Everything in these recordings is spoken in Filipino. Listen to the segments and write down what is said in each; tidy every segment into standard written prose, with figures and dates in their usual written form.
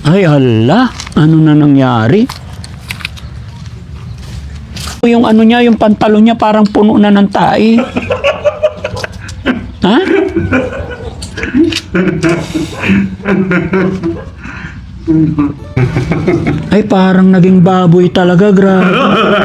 Ay, hala. Ano na nangyari? Yung ano niya, yung pantalon niya parang puno na ng tae. Ha? Ay, parang naging baboy talaga, grabe.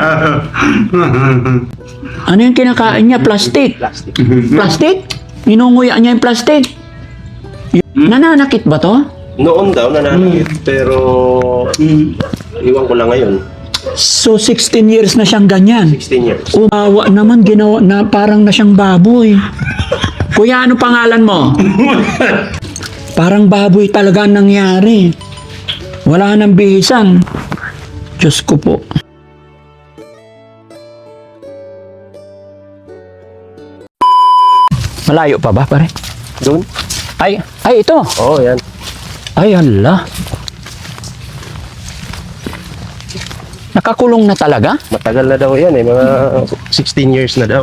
Ano yung kinakain niya? Plastic? Plastic. Plastic? Inunguya niya yung plastic? Nananakit ba to? Noon daw nananakit, pero iwan ko lang ngayon. So, 16 years na siyang ganyan. 16 years. Umawa naman, ginawa na parang na siyang baboy. Kuya, ano pangalan mo? Parang baboy talaga ang nangyari. Wala nang bihisan. Diyos ko po. Malayo pa ba, pare? Doon? Ay, ito. Oo, yan. Ay, hala. Nakakulong na talaga? Matagal na daw yan eh, mga 16 years na daw.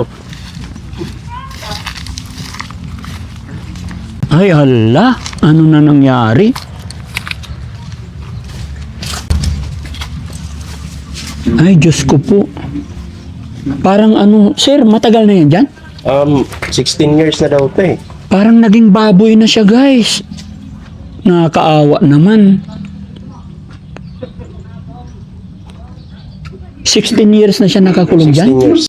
Ay, hala. Ano na nangyari? Ay, Diyos ko po. Parang ano, sir, matagal na yan dyan? 16 years na daw ito eh. Parang naging baboy na siya, guys. Nakakaawa naman. 16 years na siya nakakulong 16 dyan? years.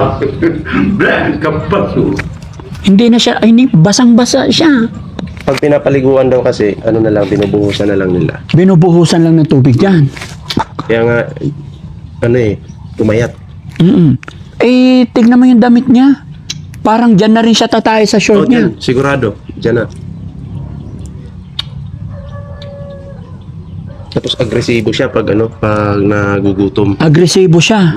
Hindi na siya, ay, basang-basa siya. Pag pinapaliguan daw kasi, ano na lang, binubuhusan na lang nila. Binubuhusan lang ng tubig dyan. Kaya nga, ano eh, tumayat. Eh, tignan mo yung damit niya. Parang dyan na rin siya tatay sa short niya. Dyan, sigurado. Dyan na. Tapos agresibo siya pag ano, pag nagugutom. Agresibo siya.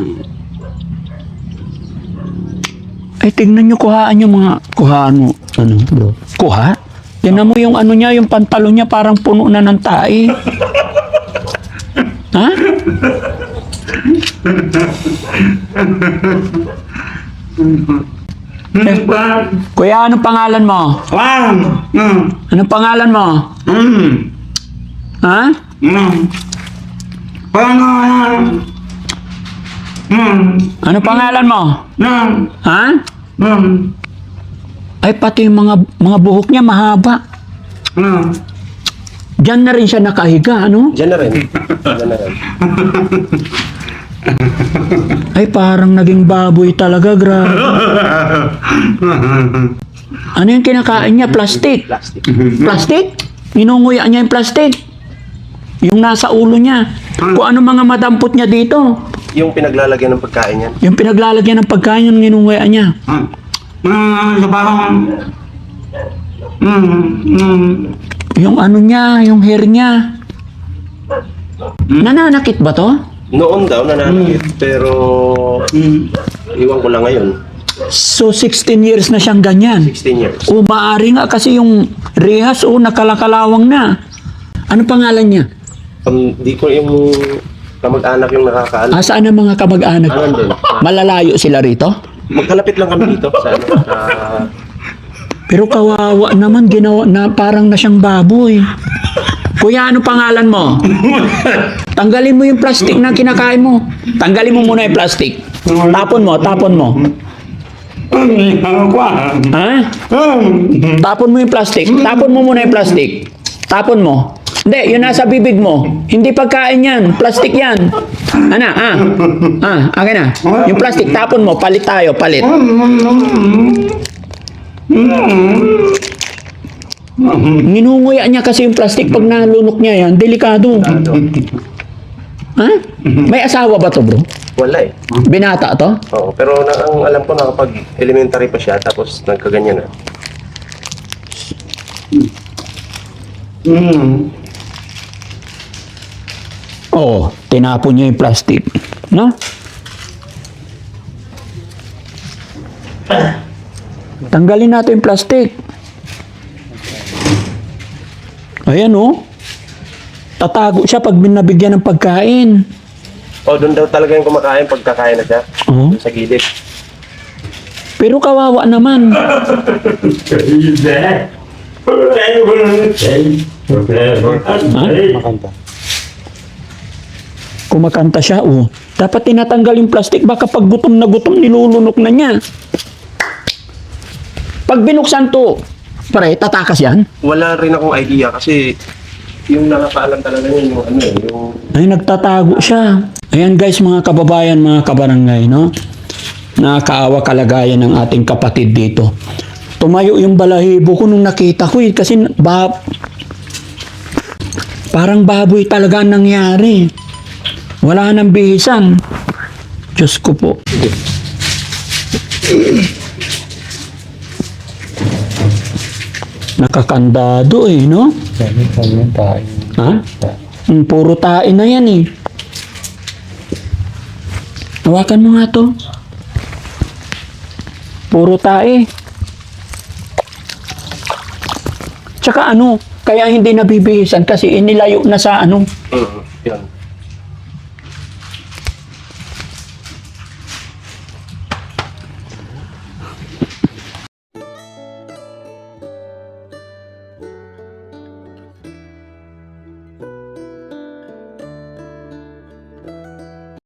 Ay, tignan nyo, kuhaan yung mga, kuhaan mo, ano, bro? Kuha? Tignan mo yung ano niya, yung pantalon niya, parang puno na ng tae. Ha? Kuya, anong pangalan mo? Anong pangalan mo? Ha? Anong pangalan mo? Ha? Ay, pati yung mga buhok niya mahaba. Diyan na rin siya nakahiga, ano? Dyan na rin. Dyan na rin. Ay, parang naging baboy talaga, grabe. Ano yung kinakain niya? Plastic? Plastic. Plastic? Inunguya niya yung plastic. Yung nasa ulo niya. Kung ano mga madampot niya dito. Yung pinaglalagyan ng pagkain yan. Yung pinaglalagyan ng pagkain yung inunguya niya. Yung ano niya, yung hair niya. Nananakit ba to? Noon daw nananakit, pero iwan ko lang ngayon. So, 16 years na siyang ganyan. 16 years. O, maaari nga kasi yung rehas, nakalakalawang na. Ano pangalan niya? Di ko yung kamag-anak yung nakakaalam. Saan ang mga kamag-anak? Nandun. Malalayo sila rito? Magkalapit lang kami dito sa ano. Pero kawawa naman, ginawa na parang na siyang baboy. Kuya, ano pangalan mo? Tanggalin mo yung plastic na kinakain mo. Tanggalin mo muna yung plastic. Tapon mo, tapon mo. Ha? Tapon mo yung plastic. Tapon mo muna yung plastic. Tapon mo. Hindi, yun nasa bibig mo. Hindi pagkain yan. Plastic yan. Ana, akin na. Yung plastic, tapon mo. Palit tayo, palit. Ninunguya niya kasi yung plastic pag nalunok niya yan. Delikado. Ha? May asawa ba to, bro? Wala eh. Binata to? Oo, pero ang alam ko na kapag elementary pa siya, tapos nagkaganyan na. Oo, tinapon niya yung plastic. No? Tanggalin natin yung plastic. Ayan, oh. Tatago siya pag binabigyan ng pagkain. Doon daw talaga yung kumakain pag kakain na siya. Oo. Doon sa gilid. Pero kawawa naman. Ha? Kumakanta siya, oh. Dapat tinatanggal yung plastic, baka pag gutom na gutom, nilulunok na niya. Pag binuksan to, pare, tatakas yan? Wala rin akong idea kasi yung nakakaalam talaga yun, yung ano eh, yung... Ay, nagtatago siya. Ayan guys, mga kababayan, mga kabarangay, no? Nakakaawa kalagayan ng ating kapatid dito. Tumayo yung balahibo ko nung nakita ko eh, kasi parang baboy talaga ang nangyari. Wala nang bihisan. Diyos ko po. Nakakandado eh, no? Ha? Puro tae na yan eh. Hawakan mo nga to. Puro tae. Tsaka ano, kaya hindi nabibihisan kasi inilayo na sa ano. Yan.